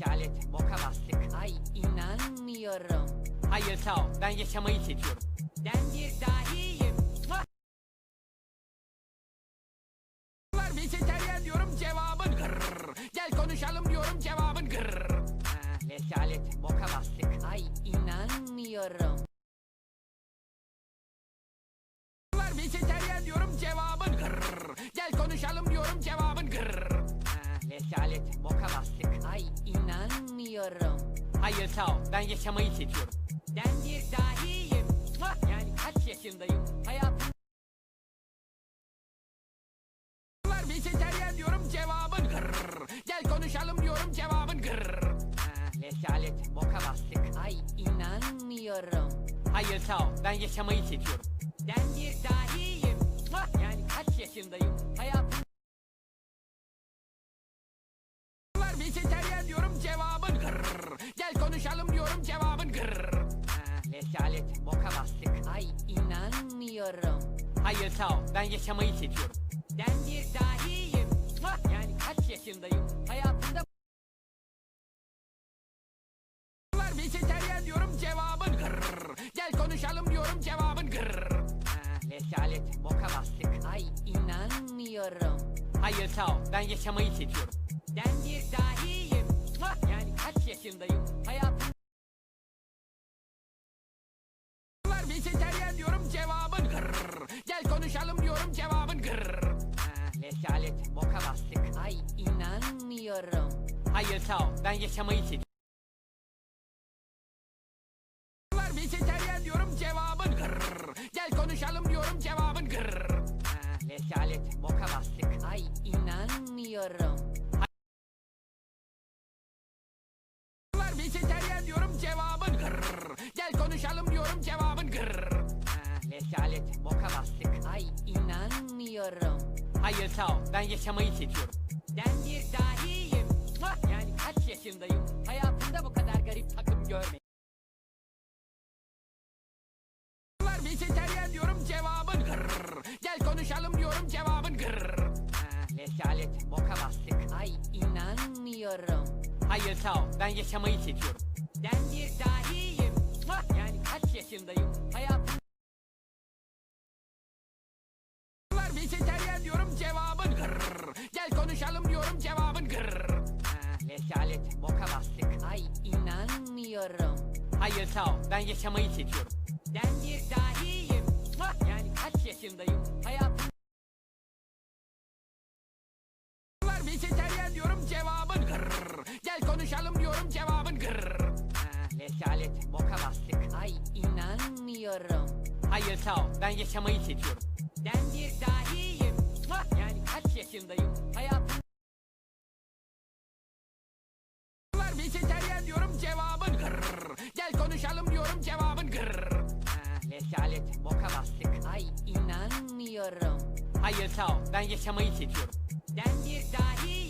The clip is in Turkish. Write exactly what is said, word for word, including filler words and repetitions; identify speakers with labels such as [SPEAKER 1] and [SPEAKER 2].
[SPEAKER 1] rezalet, boka bastık. Ay inanmıyorum. Hayır sağ ol, ben yaşamayı seçiyorum. Ben bir dahiyim. Var vejeteryan diyorum, cevabın gırr. Gel konuşalım diyorum, cevabın gırr. Ha, rezalet, boka bastık. Ay inanmıyorum. Var vejeteryan diyorum, cevabın gırr. Gel konuşalım diyorum, cevabın gırr. Ha, rezalet, boka bastık. Ay inanmıyorum. Hayır sağ ol, ben yaşamayı seçiyorum. Ben bir dahiyim. Yani kaç yaşındayım? Hayatım var vejeteryan diyorum, cevabın gırr. Gel konuşalım diyorum, cevabın gırr. Ha, rezalet, boka bastık. Ay inanmıyorum. Hayır sağ ol, ben yaşamayı seçiyorum. Ben bir dahiyim. Yani kaç yaşındayım? Hayatım var vejeteryan diyorum, cevabın gırr. Gel konuşalım diyorum, cevabın gırr. Ha, rezalet, boka bastık. Ay inanmıyorum. Hayır sağ ol, ben yaşamayı seçiyorum. Ben bir dahiyim. Yani kaç yaşındayım? Hayatımda var vejeteryan diyorum, cevabın gırr. Gel konuşalım diyorum, cevabın gırr. Ha, rezalet, boka bastık. Ay inanmıyorum. Hayır sağ ol, ben yaşamayı seçiyorum. Ben bir dahiyim. Yani kaç yaşındayım? Hayatım var vejeteryan diyorum, cevabın gırr. Gel konuşalım diyorum, cevabın gırr. Ha, rezalet, boka bastık. Ay inanmıyorum. Hayır sağ ol, ben yaşamayı seçiyorum. Var vejeteryan diyorum, cevabın gırr. Gel konuşalım diyorum, cevabın gırr. Ha, rezalet, boka bastık. Ay inanmıyorum. Var vejeteryan diyorum, cevabın gırr. Gel konuşalım diyorum, cevabın gırr. Ha, rezalet, boka bastık. Ay inanmıyorum. Hayır sağ ol, ben yaşamayı seçiyorum. Ben bir dahiyim. Yani kaç yaşındayım? Hayatımda bu kadar garip takım görmedim. Var vejeteryan diyorum, cevabın gırr. Gel konuşalım diyorum, cevabın gırr. Ha, rezalet, boka bastık. Ay inanmıyorum. Hayır sağ ol, ben yaşamayı seçiyorum. Ben bir dahiyim. Yani kaç yaşındayım? Hayatım var vejeteryan diyorum, cevabın gırr. Gel konuşalım diyorum, cevabın gırr. Ha, rezalet, boka bastık. Ay inanmıyorum. Hayır sağ ol, ben yaşamayı seçiyorum. Ben bir dahiyim. Yani kaç yaşındayım? Hayatım var vejeteryan diyorum, cevabın gırr. Gel konuşalım diyorum, cevabın gırr. Ha, rezalet, boka bastık. Ay inanmıyorum. Hayır sağ ol, ben yaşamayı seçiyorum. Ben bir dahiyim. Yani kaç yaşındayım? Hayatım var vejeteryan diyorum, cevabın gırr. Gel konuşalım diyorum, cevabın gırr. Ha, rezalet, boka bastık. Ay inanmıyorum. Hayır sağ ol, ben yaşamayı seçiyorum. Ben bir dahiyim.